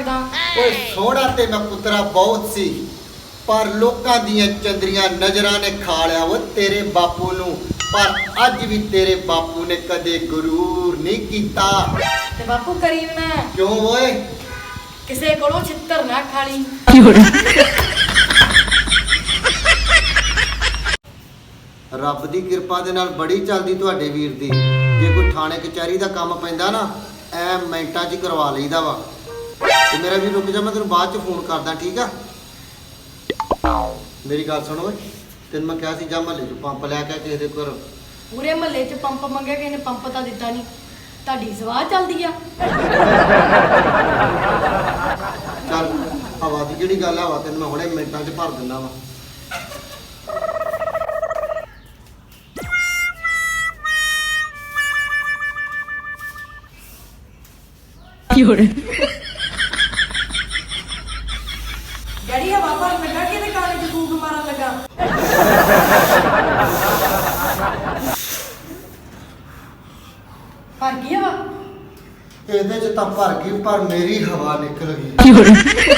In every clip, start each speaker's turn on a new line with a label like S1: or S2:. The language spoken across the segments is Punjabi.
S1: ਲੱਗਦਾ।
S2: ਓਏ ਸੋਹਣਾ ਤੇ ਮੈਂ ਪੁੱਤਰਾ ਬਹੁਤ ਸੀ, ਪਰ ਲੋਕਾਂ ਦੀਆਂ ਚੰਦਰੀਆਂ ਨਜ਼ਰਾਂ ਨੇ ਖਾ ਲਿਆ ਉਹ ਤੇਰੇ ਬਾਪੂ ਨੂੰ। ਪਰ ਅੱਜ ਵੀ ਤੇਰੇ ਬਾਪੂ ਨੇ ਕਦੇ ਗਰੂਰ ਨਹੀਂ ਕੀਤਾ।
S1: ਤੇ ਬਾਪੂ ਕਰੀ ਵੀ ਨਾ,
S2: ਕਿਉਂ ਓਏ?
S1: ਕਿਸੇ ਕੋਲੋਂ ਛਿੱਤਰ ਨਾ ਖਾਲੀ।
S2: ਰੱਬ ਦੀ ਕਿਰਪਾ ਦੇ ਨਾਲ ਬੜੀ ਚੱਲਦੀ ਤੁਹਾਡੇ ਵੀਰ ਦੀ। ਜੇ ਕੋਈ ਥਾਣੇ ਕਚਹਿਰੀ ਦਾ ਕੰਮ ਪੈਂਦਾ ਨਾ, ਐ ਮਿੰਟਾਂ 'ਚ ਹੀ ਕਰਵਾ ਲਈਦਾ ਵਾ। ਤੇ ਮੇਰਾ ਵੀ ਰੁਕ ਜਾ, ਮੈਂ ਤੈਨੂੰ ਬਾਅਦ 'ਚ ਫੋਨ ਕਰਦਾ, ਠੀਕ ਆ? ਮੇਰੀ ਗੱਲ ਸੁਣ ਓਏ, ਤੈਨੂੰ ਮੈਂ ਕਿਹਾ ਸੀ ਜਾ ਮਹੱਲੇ 'ਚ ਪੰਪ ਲੈ ਕੇ ਕਿਸੇ ਦੇ ਘਰ।
S1: ਪੂਰੇ ਮਹੱਲੇ 'ਚ ਪੰਪ ਮੰਗਿਆ, ਕਿਸੇ ਨੇ ਪੰਪ ਤਾਂ ਦਿੱਤਾ ਨਹੀਂ। ਤੁਹਾਡੀ ਸਵਾਹ ਚੱਲਦੀ ਆ।
S2: ਚੱਲ ਹਵਾ ਦੀ ਜਿਹੜੀ ਗੱਲ ਆ, ਹਵਾ ਤੈਨੂੰ ਮੈਂ ਹੁਣੇ ਮਿੰਟਾਂ 'ਚ ਭਰ ਦਿੰਦਾ ਵਾ।
S1: ਡੈਡੀ ਹਵਾ ਭਰਨ ਲੱਗਾ ਕਿ ਇਹਦੇ ਕਾਲੇ 'ਚ ਫੂਕ ਮਾਰਨ ਲੱਗਾ। ਭਰ ਗਈ ਹਵਾ।
S2: ਇਹਦੇ 'ਚ ਤਾਂ ਭਰ ਗਈ, ਪਰ ਮੇਰੀ ਹਵਾ ਨਿਕਲ ਗਈ।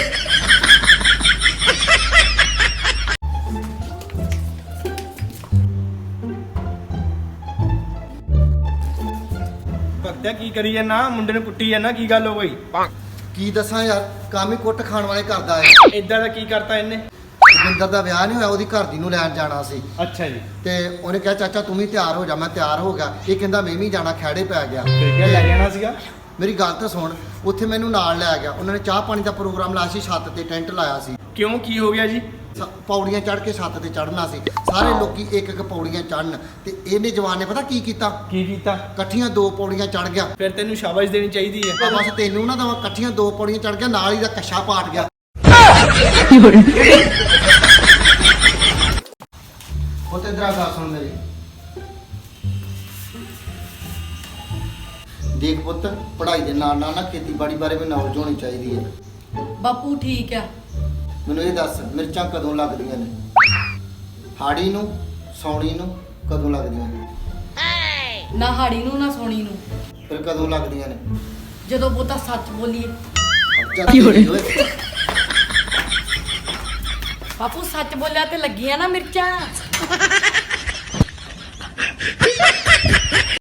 S3: ਭਗਤਿਆ ਕੀ ਕਰੀ ਜਾਂਦਾ? ਮੁੰਡੇ ਨੂੰ ਕੁੱਟੀ ਜਾਂਦਾ, ਕੀ ਗੱਲ ਹੋ ਗਈ?
S2: ਕੀ ਦੱਸਾਂ ਯਾਰ, ਕੰਮ ਹੀ ਕੁੱਟ ਖਾਣ ਵਾਲੇ ਕਰਦਾ ਹੈ।
S3: ਇਦਾਂ ਦਾ ਕੀ ਕਰਤਾ ਇਹਨੇ?
S2: ਜਿੰਦਰ ਦਾ ਵਿਆਹ ਨਹੀਂ ਹੋਇਆ, ਉਹਦੀ ਘਰ ਦੀ ਨੂੰ ਲੈਣ ਜਾਣਾ ਸੀ।
S3: ਅੱਛਾ ਜੀ,
S2: ਤੇ ਉਹਨੇ ਕਿਹਾ ਚਾਚਾ ਤੂੰ ਵੀ ਤਿਆਰ ਹੋ ਜਾ। ਮੈਂ ਤਿਆਰ ਹੋ ਗਿਆ। ਇਹ ਕਹਿੰਦਾ ਮੈਂ ਵੀ ਜਾਣਾ, ਖਹਿੜੇ ਪੈ ਗਿਆ।
S3: ਫਿਰ ਕਿਆ ਲੈ ਜਾਣਾ ਸੀਗਾ?
S2: ਮੇਰੀ ਗੱਲ ਤਾਂ ਸੁਣ, ਉੱਥੇ ਮੈਨੂੰ ਨਾਲ ਲੈ ਗਿਆ। ਉਹਨਾਂ ਨੇ ਚਾਹ ਪਾਣੀ ਦਾ ਪ੍ਰੋਗਰਾਮ ਲਾਇਆ ਸੀ, ਛੱਤ ਤੇ ਟੈਂਟ ਲਾਇਆ ਸੀ।
S3: ਕਿਉਂ, ਕੀ ਹੋ ਗਿਆ ਜੀ?
S2: ਪੌੜੀਆਂ ਚੜ੍ਹ ਕੇ ਛੱਤ ਤੇ ਚੜ੍ਹਨਾ ਸੀ। ਸਾਰੇ ਲੋਕੀ ਇੱਕ ਇੱਕ ਪੌੜੀਆਂ ਚੜ੍ਹਨ, ਤੇ ਇਹਨੇ ਜਵਾਨ ਨੇ ਪਤਾ ਕੀ ਕੀਤਾ?
S3: ਕੀ ਕੀਤਾ?
S2: ਇਕੱਠੀਆਂ 2 ਪੌੜੀਆਂ ਚੜ੍ਹ ਗਿਆ।
S3: ਫਿਰ ਤੈਨੂੰ ਸ਼ਾਬਾਸ਼ ਦੇਣੀ ਚਾਹੀਦੀ ਹੈ।
S2: ਤਾਂ ਬਸ ਤੈਨੂੰ ਨਾ ਦਵਾਂ, ਇਕੱਠੀਆਂ 2 ਪੌੜੀਆਂ ਚੜ੍ਹ ਗਿਆ, ਨਾਲ ਹੀ ਦਾ ਕੱਛਾ ਪਾਟ ਗਿਆ। ਉਹ ਤੇ ਇਧਰ ਆ ਗੱਲ ਸੁਣ ਮੇਰੀ। ਦੇਖ ਪੁੱਤ, ਪੜ੍ਹਾਈ ਦੇ ਨਾਲ ਨਾਲ ਨਾ ਖੇਤੀਬਾੜੀ ਬਾਰੇ ਵੀ ਨੌਲੇਜ ਹੋਣੀ ਚਾਹੀਦੀ ਹੈ।
S1: ਬਾਪੂ ਠੀਕ ਆ।
S2: ਮੈਨੂੰ ਇਹ ਦੱਸ, ਮਿਰਚਾਂ ਕਦੋਂ ਲੱਗਦੀਆਂ ਨੇ? ਹਾੜੀ ਨੂੰ, ਸੌਣੀ ਨੂੰ ਕਦੋਂ ਲੱਗਦੀਆਂ ਨੇ?
S1: ਨਾ ਹਾੜੀ ਨੂੰ ਨਾ ਸੋਣੀ ਨੂੰ।
S2: ਫਿਰ ਕਦੋਂ ਲੱਗਦੀਆਂ ਨੇ?
S1: ਜਦੋਂ ਬਹੁਤਾ ਸੱਚ ਬੋਲੀਏ। ਬਾਪੂ ਸੱਚ ਬੋਲਿਆ ਤੇ ਲੱਗੀਆਂ ਨਾ ਮਿਰਚਾਂ।